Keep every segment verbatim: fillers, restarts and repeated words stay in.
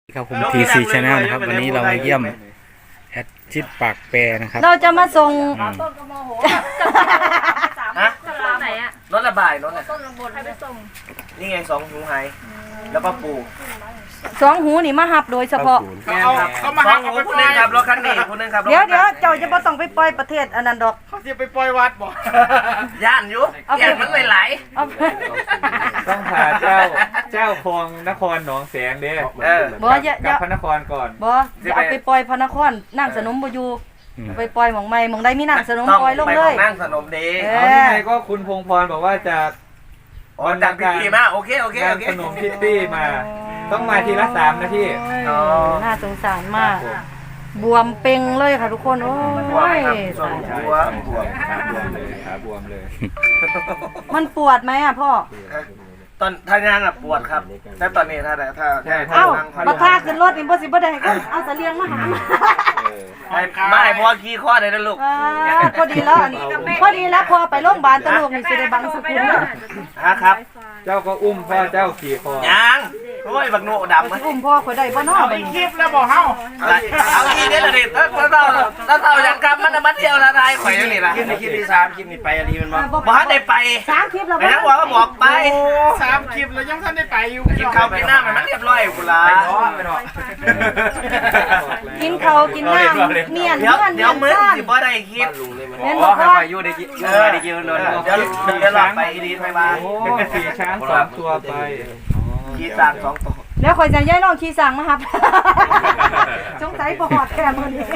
ครับผม ที ซี Channel นะครับวันนี้เรามาเยี่ยมแอดชิดปากแปรนะครับเราจะมาส่งต้นกระโมโหสามต้นไหนอะรถระบายรถอะต้นลงบนให้ไปส่งนี่ไงสองหูไฮแล้วก็ปูสองหูนี่มาหับโดยเฉพาะเอาเขามาหักเอาไปคนนึงครับรถคันนี้คนนึงครับเดี๋ยวเดี๋ยวเจ้าจะบ่ต้องไปปล่อยประเทศอันนั้นดอกเขาจะไปปล่อยวัดบ่ย่านอยู่ย่านมันไม่ไหลเอาต้องพาเจ้าเจ้าคลองนครหนองแสงเด้เออบ่อย่าอกลัย่าบพระนครก่อนบ่อย่าเอาไปปล่อยพระนครนั่งสนมบ่อยู่เอาไปปล่อยหม่องใหม่หม่องใดมีนั่งสนมต้องปล่อยลงไปเลขอย งนั่งสนมดีเอเอาที่ไงก็คุณพงพรบอกว่าจะอ๋อจากพิธีมาโอเคโอเคงาโอน เคขนมพิตตี้มา ต้องมาทีละสามนาทีอ๋อน่าสงสารมาก บวมเป่งเลยค่ะทุกคนโอ้บวมยครับส่วนหัวบวมขาบวมเลยขาบวมเลยมันปวดไหมอ่ะพ่อตอนท่างานอะปวดครับแต่ตอนนี้ถ้าถ้าถ้าเอ้านั่งบัดพาขึ้นรถนี่บ่สิบ่ได้เอาเอาเสลียงมาหามาไม่ไม่พอขี้ข้อเลยนะลูกอ่าพอดีแล้วอันพอดีแล้วพอไปโรงพยาบาลตะลูกนี่สิได้บังสกุลแล้วฮะครับเจ้าก็อุ้มพ่อเจ้าขี่คอยังโอ้ยบักโนดำสิมันอุ้มพ่อข่อยได้บ่เนาะบัดนี้คลิปแล้วบอกเฮาเอาอีกเด้อเด็ดถ้าถ้าเราถ้าเราอยากกลับมันน่ะมันเดียวละลายข่อยอยู่นี่ล่ะคลิปนี้คลิปที่สามคลิปนี้ไปอันนี้มันบ่บ่ทันได้ไปสามคลิปแล้วไอ้นักว่าก็บอกไปสามคลิปแล้วยังท่านได้ไปอยู่กินข้าวกินน้ำให้มันเรียบร้อยกูละกินเขาวกินน้ำเมียนเดี๋ยวเมียนเดี๋ยวมื้อซ่านสิบ่ได้คลิปเห็นบอกว่าอยู่ได้กินเออได้กินโดนเดี๋ยวเดี๋ยวเราไปดีไปบ้านโอ้ขี่ช้างสองตัวไปขี่สามสองตัวแล้วข่อยจะย้ายน้องขี่สั่งมาครับสงสัยบ่ฮอดแค่มื้อนี้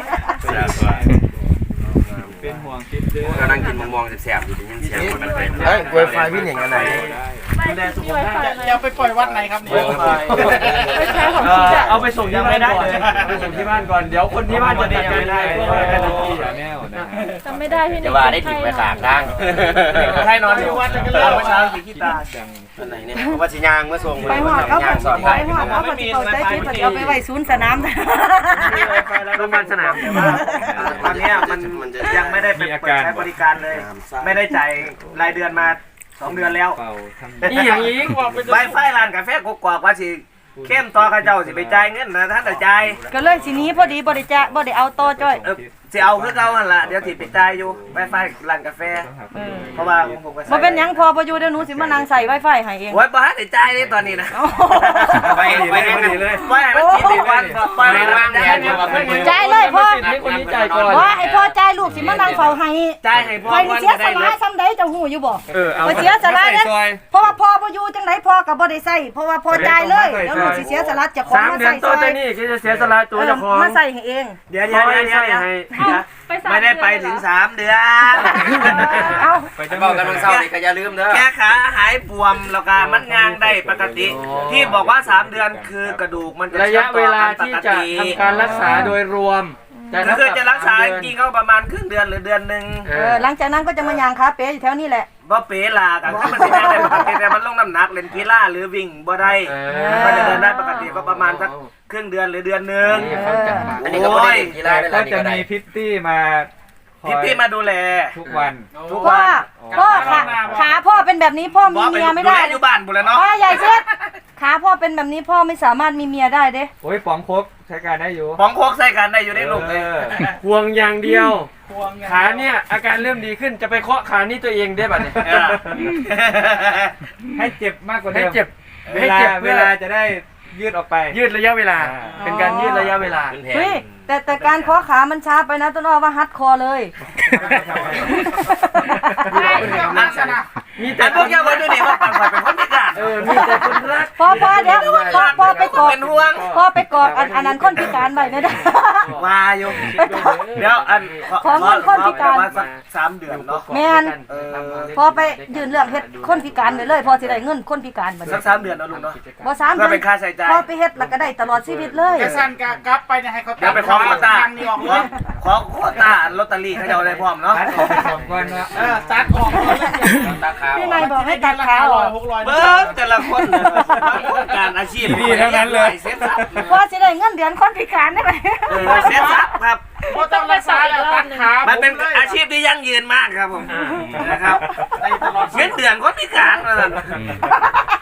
เป็นห่วงคลิปเด้อก็นั่งกินมะม่วงแสบๆอยู่ได้ยินเสียงคนมันเป็นเฮ้ยไวไฟพี่หนิงอันไหนจะไปปล่อยวัดไหนครับเนี่ยไปใช้ของคิดอะเอาไปส่งที่บ้านก่อนไปส่งที่บ้านก่อนเดี๋ยวคนที่บ้านจะจัดการได้เพราะว่าเป็นที่แนวนะจำไม่ได้พี่หนึ่จะงว่าได้ถิ่นไปขางทางใครนอนอยู่วัดกันเลยเมื่อเช้าขี่ขี้ตาอันไหนเนี่ยเพราะว่าสิยางเมื่อส่งไปฮอดเขายางสอนไปถ่ายฮอดเขาปฏิเข้าใจผิดปฏิเอาไปไว้ศูนย์สนามโรงพยาบาลสนามแต่ว่าตอนนี้มันยังไม่ได้ไปเปิดใช้บริการเลย ไม่ได้จ่ายรายเดือนมาสองเดือนแล้วเป่าทำนี่อย่างนี้ใบไฟร้านกาแฟกกอกว่าสิเข้มต่อข้าเจ้าสิไปจ่ายเงินนะท่านจะจ่ายก็เลยสิหนี้พอดีบ่ได้จะบ่ได้เอาต่อจ้อยเออสิเอาคือเก่าหั่นล่ะเดี๋ยวสิไปจ่ายอยู่ใบไฟร้านกาแฟเพราะว่าผมก็บ่เป็นหยังพอบ่อยู่เดี๋ยวหนูสิมานั่งใส่ Wi-Fi ให้เองโอ้ยบ่ได้จ่ายเลยตอนนี้นะไปไปเลยไปมันกินดีวันไปมันแย่อยู่ว่าเพิ่นจ่ายเลยพ่อให้คนนี้จ่ายก่อนว่าไอ้พ่อจ่ายลูกสิมานั่งเฝ้าให้จ่ายให้พ่อข่อยนี่วันเสียจะสได้ละเลยซ้ำใดเจ้าหูอยู่บ่เออเอาข่อยเสียสละเด้ซอยเพราะว่าพ่อบ่อยู่จังไดพ่อก็บ่ได้ใช้เพราะว่าพ่อจ่ายเลยแล้วลูกสิเสียสละเจ้าของมาใส่ซอยก็จะเสียสละตัวเจ้าของมาใส่ให้เองเดี๋ยวเดี๋ยวเดี๋ยวเดี๋ยวไม่ได้ไปถึงสามเดือนเอ้าไปจะบอกกันวันเสาร์นี่ก็อย่าลืมเด้อแค่ขาหายบวมแล้วก็มันงางได้ปกติ ที่บอกว่าสามเดือนคือกระดูกมันจะระยะเวลาที่จะทำการรักษาโดยรวมคือจะรักษาจริงๆก็ประมาณครึ่งเดือนหรือเดือนหนึ่งเออหลังจากนั้นก็จะมายางคาเป๊อยู่แถวนี้แหละว่าเป๋ลากันถ้ามันสิได้ปกติแต่มันลงน้ำหนักเล่นกีฬาหรือวิ่งบ่ได้มันก็จะเดินได้ปกติก็ประมาณสักครึ่งเดือนหรือเดือนหนึ่งอันนี้ก็บ่ได้เล่นกีฬาได้แล้ก็วนี่จะก็ได้มีพิตตี้มาพี่พี่มาดูแลทุกวันทุกพ่อวันพ่อขาขาพ่อเป็นแบบนี้พ่อมีเมียไม่ได้ดูแลอยู่บ้านบุแล้วเนาะพ่อใหญ่เช็ดขาพ่อเป็นแบบนี้พ่อไม่สามารถมีเมียได้เด้โอ้ยป๋องครบใช้การได้อยู่ป้องโคกใส่กันได้อยู่ในลูกเลยห่วงอย่างเดียว ขาเนี่ยอาการเริ่มดีขึ้นจะไปเคาะขานี่ตัวเองได้บัดเนี่ยเออให้เจ็บมากกว่าให้เดิมเจ็บเวให้ลาเจ็บเวเวลาลาจะได้ยืดออกไปยืดระยะเวลาอ่าเป็นการยืดระยะเวลาเป็นแผเฮ้ยนแต่แต่การขอขามันช้าไปนะต้นอ้อว่าฮัดคอเลยมีแต่แต่พวกเยาวชนนี่ว่าปั่นเป็นคนพิการเออมีแต่คนรักพ่อพ่อเดี๋ยวพ่อพ่อไปกอดเป็นห่วงพ่อไปกอดอันอันนั้นคนพิการไว้ไม่ได้ว่าอยู่เดี๋ยวอันของเงินคนพิการประมาณสักสามเดือนเนาะแม่นพ่อไปยื่นเรื่องเฮ็ดคนพิการไปเลยพ่อสิได้เงินคนพิการบัดสันี้กสามเดือนเนาะลุงเนาะบ่สามเพื่เดือเป็นค่าใช้จ่ายพ่อไปเฮ็ดแล้วก็ได้ตลอดชีวิตเลยกระสันกะกลับไปเนี่ยให้เขาเดี๋ยวไปขอโควต้าทางนี้ออกขเลอย ขอโควต้าลอตเตอรี่เขาจะเอาได้พร้อมเนาะตัดออกไปสองก้อนว่าเออตัดออกเลยตาขาวพี่นายบอกให้ตัดขาออกหกร้อยเบิ้งแต่ละคนการอาชีพเซ็ตซับพ่อสิได้เงินเดือนคนพิการได้ไหมเออเซ็ตซับครับก็ต้องรักษาแล้วตัดขามันเป็นอาชีพที่ยั่งยืนมากครับผมนะครับในตลอดเงินเดือนคนพิการมาสั่น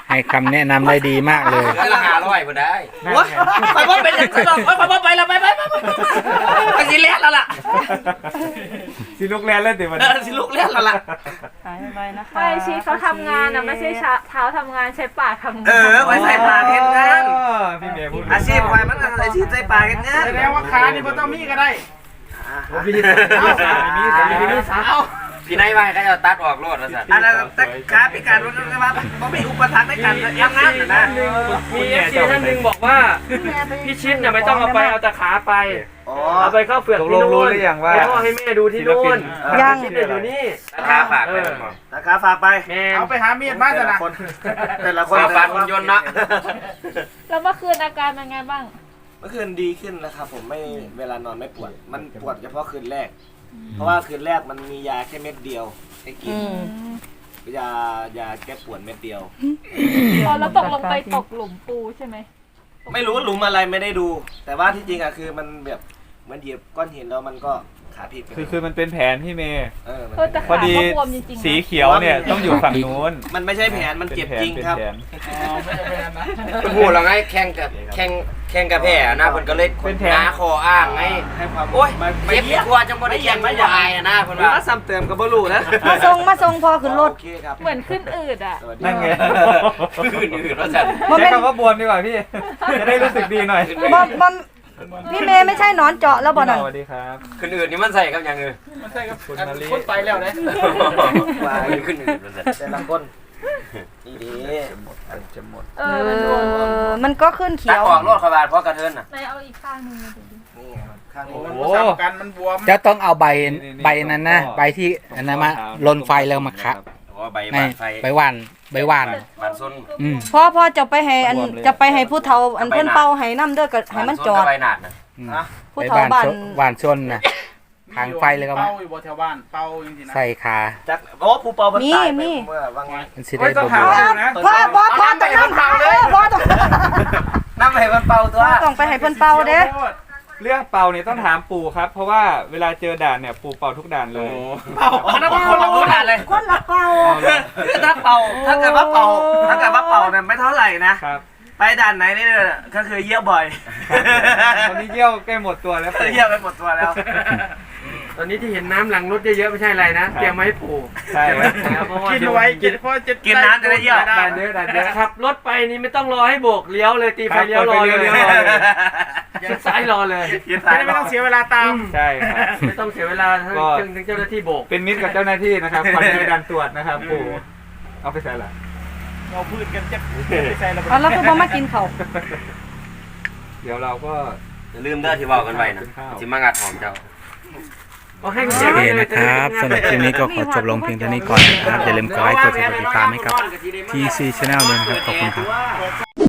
ให้คำแนะนำได้ดีมากเลยเหลือละห้าร้อยพอได้วะไปว่าเป็นยังไงหรอกไปว่าไปแล้วไปไปไปไปสิเลี้ยแล้วล่ะสิลูกแลนเล่นเดี๋ยวมันเออสิลูกเลี้ยแล้วล่ะหายไปนะคะไม่ชีเขาทำงานนะไม่ใช่เท้าทำงานใช้ปากทำงานเออไว้ใส่ปากเห็นงานพี่เมย์พูดอาชีพไว้มันอาชีพใส่ปากเห็นงานแสดงว่าขานี่บ่ต้องมีก็ได้พี่สาวมีสาวมีสาวพี่นายว่าให้เขาจะตัดออกรถแล้วสั่นอันนั้นแต่ขาพิการมันก็ว่าบ่มีอุปทานในการทำงานนะมีเอฟซีท่านหนึ่งบอกว่าพี่ชิดเนี่ยไม่ต้องเอาไปเอาแต่ขาไปอ๋อเอาไปเข้าเฟือกที่นู่นให้พ่อให้แม่ดูที่นู่นยังชิดเนี่ยอยู่นี่ราคาฝากไปมันบอกราคาฝากไปแม่เอาไปหามีดบ้านแต่จะละนะคนแต่ละคนฝากฝากหุ่นยนต์นะแล้วเมื่อคืนอาการเป็นไงบ้างเมื่อคืนดีขึ้นนะครับผมไม่เวลานอนไม่ปวด มันปวดเฉพาะคืนแรก เพราะว่าคืนแรกมันมียาแค่เม็ดเดียวให้กินอืมยายาแก้ปวดเม็ดเดียวพอแล้วตกลงไปตกหลุมปูใช่ไหมไม่รู้หลุมอะไรไม่ได้ดู แต่ว่าที่จริงอะคือมันแบบเหมันเหยียบก้อนหินแล้วมันก็ขาพลิกไปคือคือมันเป็นแผนพี่เมย์เออมันเออแต่พอขาดีก็บวมจริงๆนะสีเขียวเนี่ยต้องอยู่ฝั่งนู้นมันไม่ใช่แผนมันเจ็บจริงครับเป็นแผนพูดแล้วไงแข่งกับแข่งแข่งกับแพ้นะเพิ่นก็เลยเป็นแผนหาคออ้างไงให้ความโอ้ยไม่เจ็บดีกว่าจังบ่ได้แข่งไม่วายอะนะเพิ่นหรือว่าว่าซ้ำเติมกับบลูนะมาส่งมาส่งพอขึ้นรถโอเคครับเหมือนขึ้นอืดอ่ะสวัสดีนั่นไงอื่นๆว่าสั่นบ่ใช้แม่นคำว่าบวมดีกว่าพี่ จะได้รู้สึกดีหน่อยบ่บ่พี่เมย์ไม่ใช่หนอนเจาะแล้วบ่นั่นสวัสดีครับคนอื่นนี่มันใส่กับอย่างอื่นมันใช่ครับคุณมาลีคนไปแล้วนะว่าคนอื่นมันใส่แต่ละคนนี่ดีจะหมดเอเออมันบวมอมันก็ขึ้นเขีตัดยวออกรถขบาดเพราะกระเทินน่ะไหนเอาอีกข้างหนึงมาดูดินี่ครับข้างนี้โอ้กันมันบวมจะต้องเอาใบใบนั้นนะใบที่อันนั้นมาลนไฟแล้วมาคะเพราะว่าใบในบานไฟใบหวานใบหวานบานส้นอืมพอพอจะไปให้อันจะไปให้ผู้เฒ่าอันเพิ่นเป่าให้น้ำเด้อก็ให้มันจอดใบหนาดนะอืมผู้ใบเฒ่าหวานบ้านชนหวานชนนะทางไฟเลยก็มาเป้าอยู่บนแถวบ้านเป้าจริงๆนะใส่ขาจักโอ้ผู้เป่ามันตายไปเมื่อวางไงมันสิได้บ่บวมพ่อพ่อพ่อต้องน้ำหาเออพ่อต้องน้ำให้มันเป่าตัวพ่อต้องไปให้เพิ่นเป่าเด้เรื่องเป่าเนี่ยต้องถามปู่ครับ เพราะว่าเวลาเจอด่านเนี่ยปู่เป่าทุกด่านเลยเป่าอ๋อนั่นเป็นคนละคนเลยคนละเป่าคือถ้าเป่าถ้าเกิดว่าเป่าถ้าเกิดว่าเป่าเนี่ยไม่เท่าไหร่นะครับไปด่านไหนนี่เนี่ยก็คือเยี่ยวบ่อยตอนนี้เยี่ยวใกล้หมดตัวแล้วปู่เยี่ยวไปหมดตัวแล้วตอนนี้ที่เห็นน้ำหลังรถเยอะๆไม่ใช่อะไรนะเตรียมมาให้ปู่ใช่ไหมเพราะว่ากินเอาไว้กินเพราะจะกินน้ำจะได้เยี่ยวด่านเยอะด่านเยอะขับรถไปนี่ไม่ต้องรอให้โบกเลี้ยวเลยตีไฟเลี้ยวรอเลยเลี้ยวรอเลยชิดซ้ายรอเลยยืนสายไม่ต้องเสียเวลาตามใช่ครับไม่ต้องเสียเวลาทั้งก็ถึงถึงเจ้าหน้าที่โบกเป็นมิตรกับเจ้าหน้าที่นะครับคอยในการตรวจนะครับปู่เอาไปใส่ละเราพูดกันจะไปใส่ระเบิดเอาแล้วคือบ่มากินข้าวเดี๋ยวเราก็อย่าลืมเด้อที่เว้ากันไว้นะสิมางัดหอมเจ้าเอาให้โอเสียเคไปเลยนะครับสำหรับคลิปนี้ก็ขอจบลงเพียงเท่านี้ก่อนนะครับอย่าลืมกดไลค์กดแชร์กดติดตามให้กับ ที ซี Channel ด้วยนะครับขอบคุณครับ